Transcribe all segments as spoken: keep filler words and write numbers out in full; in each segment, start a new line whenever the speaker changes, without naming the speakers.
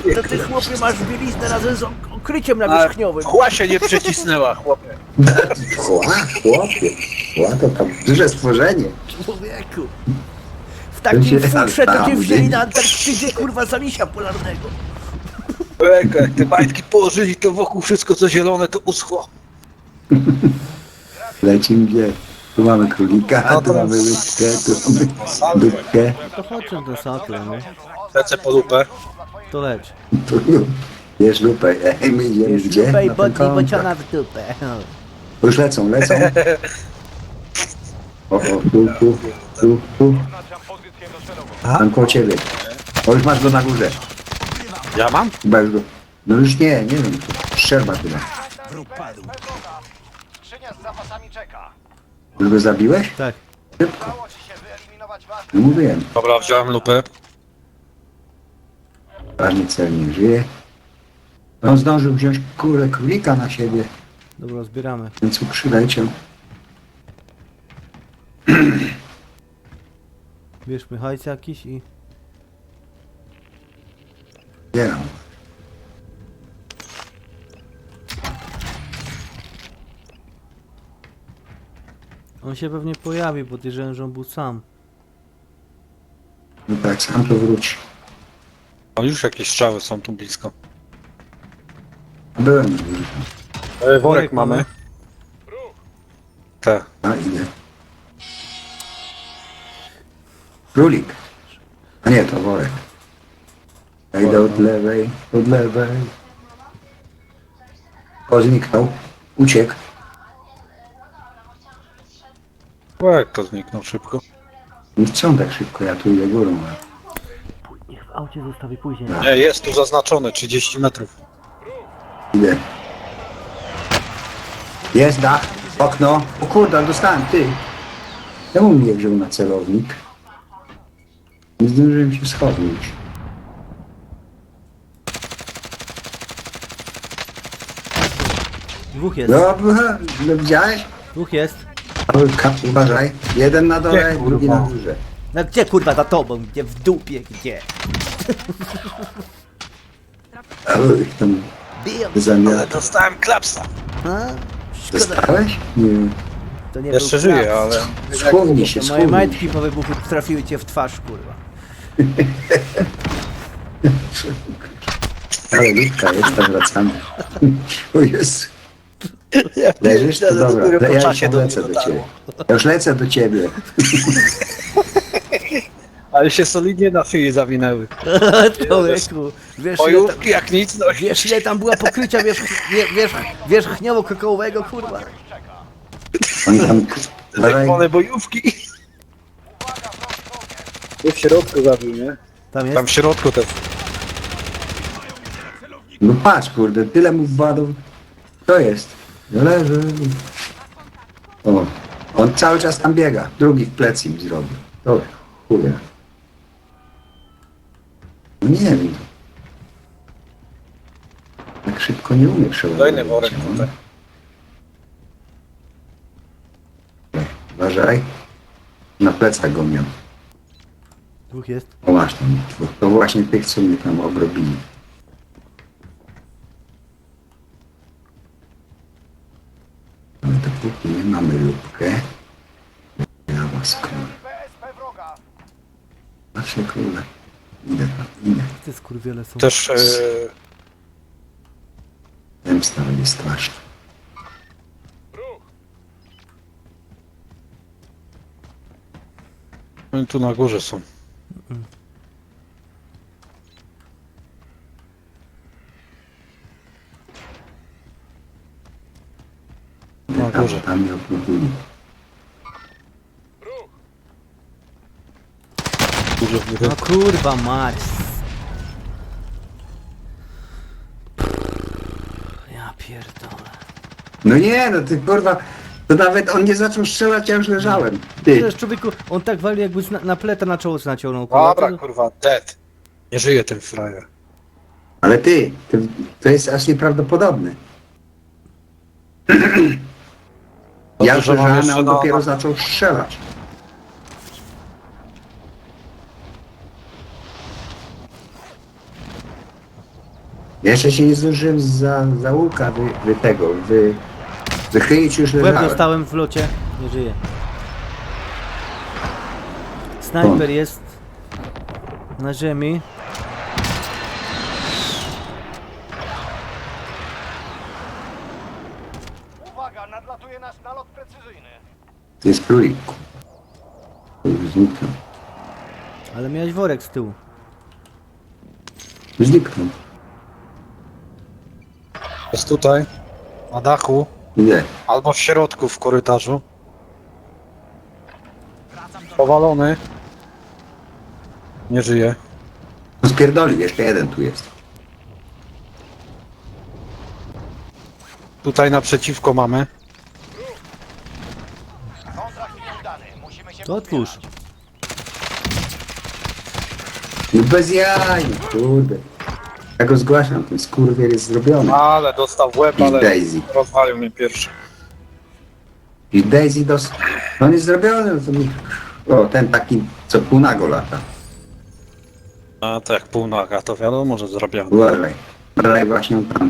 to ty chłopie masz bieliznę razem z ok- okryciem nawierzchniowym.
Chła się nie przycisnęła, chłopie.
Chła, chłopie. Chła to tam duże stworzenie.
Człowieku. W takim
się
futrze to cię
tam
wzięli
dymi.
na Antarktydzie, kurwa, za misia polarnego.
Człowieku, jak te majtki położyli, to wokół wszystko co zielone to uschło.
Lecimy gdzie? Tu mamy królika,
No
tu
to-
mamy łyskę, tu mamy dupkę.
To chodźmy do satla, nie?
Lecę po lupę.
To leć.
Tu jest lupę. Ej, my idziemy
Już
gdzie?
dupę i
Na ten
bodni
kontakt.
bociana w dupę.
Już lecą, lecą. O, o, tu, tu, tu, tu. Tam koło ciebie. O, już masz go na górze.
Ja mam?
Chyba już go. No już nie, nie wiem. Szczerba chyba.
Skrzynia z zapasami czeka.
Już go zabiłeś?
Tak.
Szybko.
Udało ci się wyeliminować ważne.
No mówiłem.
Dobra, wziąłem lupę.
Ważny cel nie żyje. On zdążył wziąć kurę królika na siebie,
Dobra, zbieramy.
więc mu przyleciał.
Bierzmy hajs jakiś i...
Zbieram.
On się pewnie pojawi, podejrzewam, że on był sam.
No tak, sam to wróci.
O, już jakieś strzały są tu blisko.
Byłem już.
E,
worek mamy.
Tak.
A idę. Królik. A nie, to worek. Ja idę od lewej, od lewej. O, zniknął. Uciekł.
O, jak to zniknął szybko.
Nie chcą tak szybko, ja tu idę górą.
Niech w aucie zostawi później.
Nie, jest tu zaznaczone trzydzieści metrów.
Idę. Jest dach, okno. O kurde, dostałem, ty. Czemu mnie wziął na celownik? Nie zdążyłem się schodzić.
Dwóch jest.
Dobra, no widziałeś?
Dwóch jest.
Ka- Uważaj. Jeden na dole,
Gdzie,
drugi
kurwa?
na górze.
No gdzie kurwa za tobą? Gdzie w dupie? Gdzie?
Oj, tam
Biją.
zamiar.
Ale dostałem klapsa.
A? Szkoda.
Dostałeś? Nie.
To nie
Jeszcze
był
żyję,
klap.
ale...
Schowni się,
To moje
schowni
majtki
się.
po wybuchu trafiły cię w twarz, kurwa.
Ale ludka jest, tam wracamy. O Jezu. Leżysz? To
Ja
dobra,
dopiero po
ja
czasie
już
do
lecę
mnie
do ciebie.
dotarło.
Ja już lecę do ciebie.
Ale się solidnie na szyi zawinęły.
Człowieku, wiesz ile, tam,
Ojówki jak nic, no
wiesz ile tam była pokrycia wierzch, wie, wierzch, wierzchniowo-kokołowego, kurwa?
Oni tam... Uważaj.
zajebane bojówki. Tu w środku zabił, nie?
Tam jest?
Tam w środku też.
No patrz, kurde, tyle mu wpadł. To jest. No leży. O, on cały czas tam biega. Drugi w plecy mi zrobił. Dobra, kurde. No nie wiem. Tak szybko nie umie przeładować.
Kolejny worek
no.
tutaj.
Uważaj. Na plecach go miał.
Dwóch jest.
O masz tam. To właśnie tych, co mnie tam obrobili. Ale dopóki nie mamy lubkę, ja was kurde.
B S P wroga.
Nasze króle. Idę tam, idę.
Te skurwiele są.
Też... E...
Zemsta będzie straszna.
Oni tu na górze są. Na
Tam,
górze.
tam mnie obrobili.
Górze w górę.
No kurwa mać. Ja pierdolę.
No nie, no ty kurwa, to nawet on nie zaczął strzelać, ja już leżałem. Ty,
Przecież człowieku, on tak wali jakby na, na pleta na czoło naciągnął. kurwa.
Dobra,
To-
kurwa, dead. Nie żyje ten frajer.
ale ty, to, to jest aż nieprawdopodobne. Ja już
że mam
leżałem, a
jeszcze
on
na-
dopiero
na-
zaczął strzelać. Jeszcze się nie zdążyłem za, za łuka wy, wy tego, wy, wychylić już
W łeb
leżałem.
dostałem w locie. Nie żyje. Snajper jest na ziemi.
Uwaga, nadlatuje nasz nalot precyzyjny.
To jest królik. Już zniknął.
Ale miałeś worek z tyłu.
Zniknął.
Jest tutaj, na dachu,
Nie.
albo w środku w korytarzu. Powalony. Nie żyje.
No spierdolił, jeszcze jeden tu jest.
Tutaj naprzeciwko mamy.
Kontrakt nieudany. Musimy się
To otwórz.
pozbierać.
No bez jaj, no kurde. Ja go zgłaszam, ten skurwiel jest zrobiony.
Ale dostał w łeb,
I
ale
Daisy.
rozwalił mnie pierwszy.
I Daisy dos... No on jest zrobiony, no to mi... O, ten taki, co półnago lata.
A to jak półnaga, to wiadomo, że zrobiony.
Uważaj. Uważaj właśnie tam.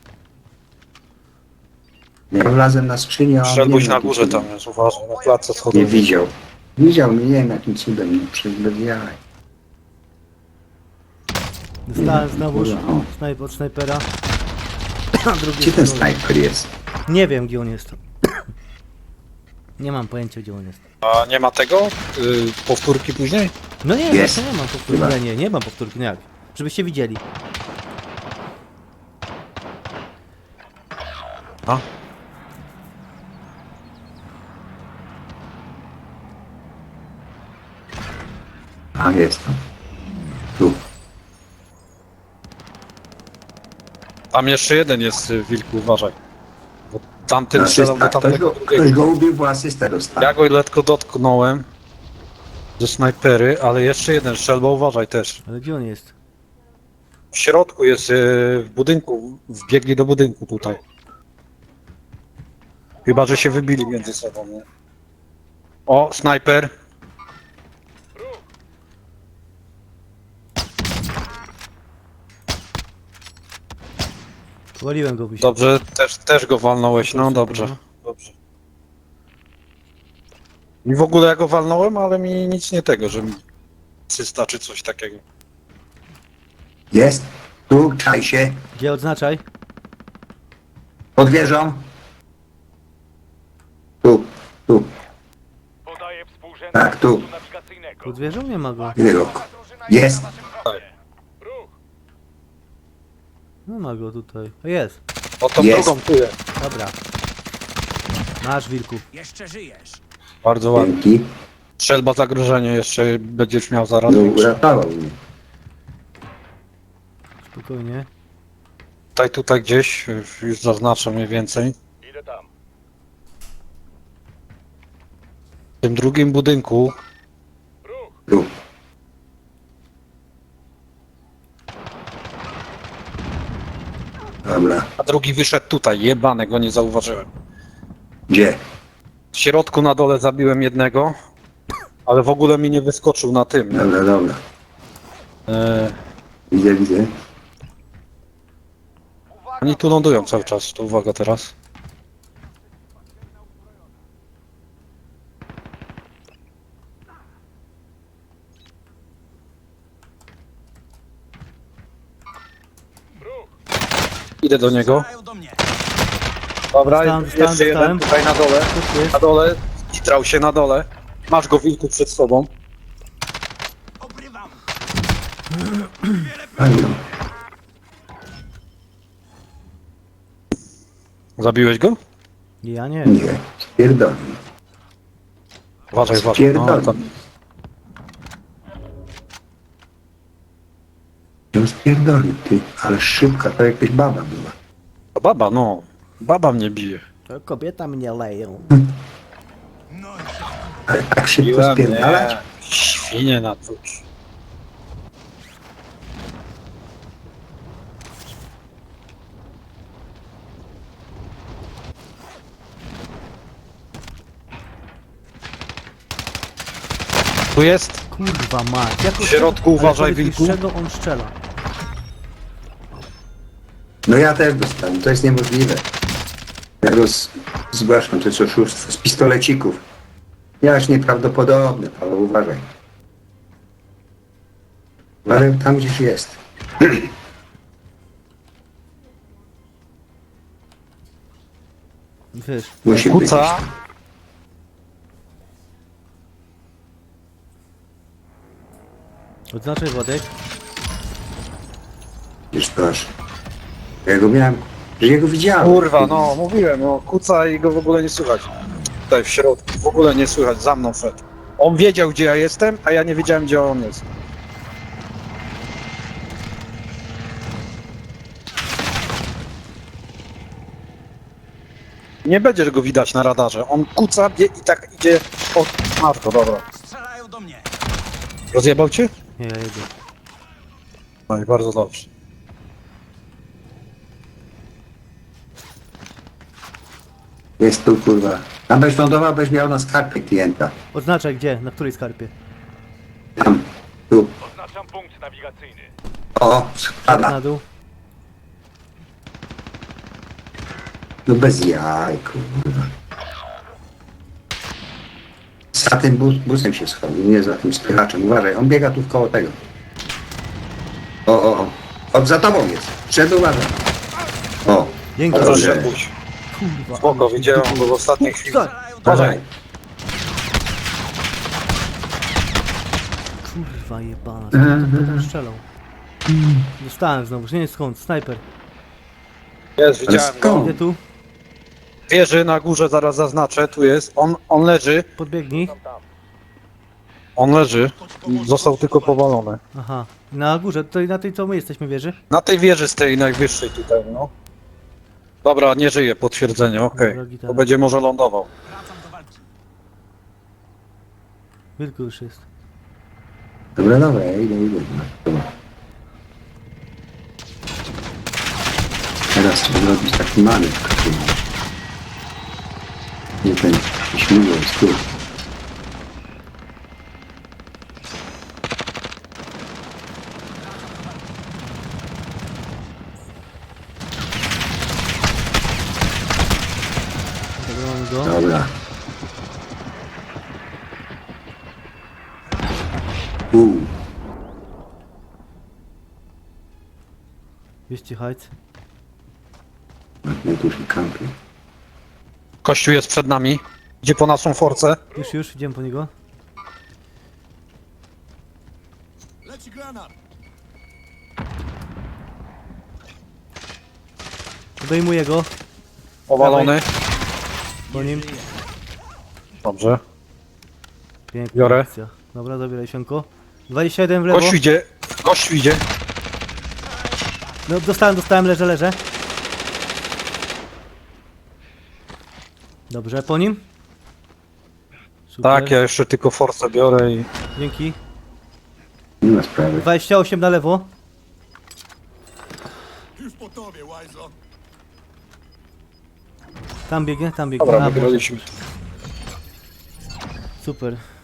Ja wlazłem na skrzynię, a on
Strzelbuś
nie
na
wiem,
górze
jakim
tam
cudem.
jest, uważaj, na klatce
Nie
schodowej.
widział. Widział mnie, nie wiem jakim cudem, nie przez bez jaj.
Dostałem znowu
Kurwa, o.
snajper od snajpera. A drugi
Gdzie ten
jest na dole.
snajper jest?
Nie wiem gdzie on jest. Nie mam pojęcia gdzie on jest.
A nie ma tego? Yy, powtórki później?
No nie,
Jest.
właśnie nie mam powtórki.
Chyba.
Nie, nie, nie mam powtórki, no jak? Żebyście widzieli.
A?
A, jest tam. Tu.
Tam jeszcze jeden jest, y, wilku, uważaj. Bo tamten strzelał do
Asysta. Ktoś
tamtego
go, ktoś
drugiego.
go ubił, bo asystę dostał.
Ja go lekko dotknąłem ze snajpery, ale jeszcze jeden strzelba, uważaj też.
Ale gdzie on jest?
W środku jest, y, w budynku, wbiegli do budynku tutaj. Chyba, że się wybili między sobą, nie? O, snajper.
Waliłem go byś.
Dobrze, też, też go walnąłeś, no dobrze. Dobrze. I w ogóle ja go walnąłem, ale mi nic nie tego, że mi asysta czy coś takiego.
Jest. Tu, czaj się.
Gdzie odznaczaj?
Pod wieżą. Tu, tu.
Podaję współrzędne
Tak, tu.
punktu nawigacyjnego.
Pod wieżą nie ma go.
Widzę go.
Drużyna
Jest.
na waszym froncie. Ruch.
Nie ma go tutaj. O jest.
O tą
Jest.
drugą tu jest.
Dobra. Masz wilku.
Bardzo ładnie.
Dzięki.
Strzelba zagrożenie jeszcze będziesz miał zaraz
No,
większe.
uratował mnie.
Spokojnie.
Tutaj, tutaj gdzieś, już zaznaczę mniej więcej.
Idę tam.
W tym drugim budynku
Ruch.
Tu. Dobra.
a drugi wyszedł tutaj, jebane, go nie zauważyłem.
Gdzie?
W środku na dole zabiłem jednego, ale w ogóle mi nie wyskoczył na tym.
Dobra, dobra.
E,
Widzę, widzę.
Uwaga,
oni tu lądują cały czas, to uwaga teraz. Idę do niego. Dobra,
Dostałem, dostałem,
jeszcze jeden
dostałem.
tutaj na dole.
Tu jest.
Na dole, skitrał się na dole. Masz go, wilku, przed sobą.
Fajno.
Zabiłeś go?
Ja nie.
Nie. Spierdolę.
Uważaj, uważaj. No,
Spierdolę.
tam.
Ją spierdolił, ty. Ale szybka, to jakaś baba była.
To baba, no. Baba mnie bije.
To kobieta mnie leją.
Ale tak szybko
Biła mnie.
spierdalać?
Świnie na cóż. Tu jest.
Kurwa mać. Jak
W środku
ale
uważaj,
powiedz mi,
wilku.
z czego on strzela?
No ja też dostałem, to jest niemożliwe. Ja roz... zgłaszam to co oszustwo z pistolecików. Jaż nieprawdopodobne, Paweł, uważaj. Ale tam gdzieś jest.
Wiesz,
Musi być.
Kuca.
odznaczaj Władek.
Już proszę. Ja go miałem, że ja go widziałem.
Kurwa, no mówiłem, no kuca i go w ogóle nie słychać. Tutaj w środku, w ogóle nie słychać, za mną szedł. On wiedział, gdzie ja jestem, a ja nie wiedziałem, gdzie on jest. Nie będziesz go widać na radarze. On kuca bie i tak idzie od Marko, dobra.
Strzelają do mnie.
Rozjebał cię?
Nie, ja jedę.
No i bardzo dobrze.
Jest tu, kurwa. Tam byś lądował, byś miał na skarpie klienta.
Odznaczaj gdzie, na której skarpie.
Tam, tu.
Oznaczam punkt nawigacyjny.
O,
Na
spada.
dół.
No bez jaj, kurwa. Za tym bus, busem się schował, nie za tym spychaczem. Uważaj, on biega tu koło tego. O, o, o. O, za tobą jest. Przed uważaj. O,
Dzięki.
Dobrze.
Proszę, pójdź.
Kurwa.
Spoko, widziałem go w ostatniej chwili.
Wstań.
uważaj.
Kurwa jebana, kto tam strzelał? Dostałem znowu, nie wiem skąd, snajper.
Jest,
Ale
widziałem go.
skąd?
Idę tu,
Wieży na górze, zaraz zaznaczę, tu jest. On, on leży,
podbiegnij.
on leży. Został tylko powalony.
Aha, na górze, tutaj na tej co my jesteśmy wieży.
Na tej wieży z tej najwyższej tutaj, no. Dobra, nie żyje, potwierdzenie, okej.
Dobra, gitara.
To będzie może lądował.
Wracam do walki.
Wilku już jest.
Dobra, dobra, ja idę, idę. Dobra. Teraz trzeba zrobić taki manewr. kurwa. Nie ten śmigło jest tu.
Dobra, mamy go.
Dobra. Uuu.
Wieści hajc.
Ja tu już kampię.
Kościół jest przed nami. Idzie po naszą forcę.
Już, już, idziemy po niego.
Leci granat.
Odejmuję go,
Powalony.
po nim.
Dobrze.
Piękna
Biorę.
akcja. Dobra, zabieraj sianko. dwadzieścia jeden w lewo.
Gościu idzie. Gościu idzie.
No dostałem, dostałem, leżę, leżę. Dobrze, po nim. Super.
Tak, ja jeszcze tylko forcę biorę i...
Dzięki.
Nie ma sprawy.
dwadzieścia osiem na lewo.
Już po tobie, Łajzo.
Tam biegnie, tam biegnie.
Dobra,
A,
wygraliśmy.
super.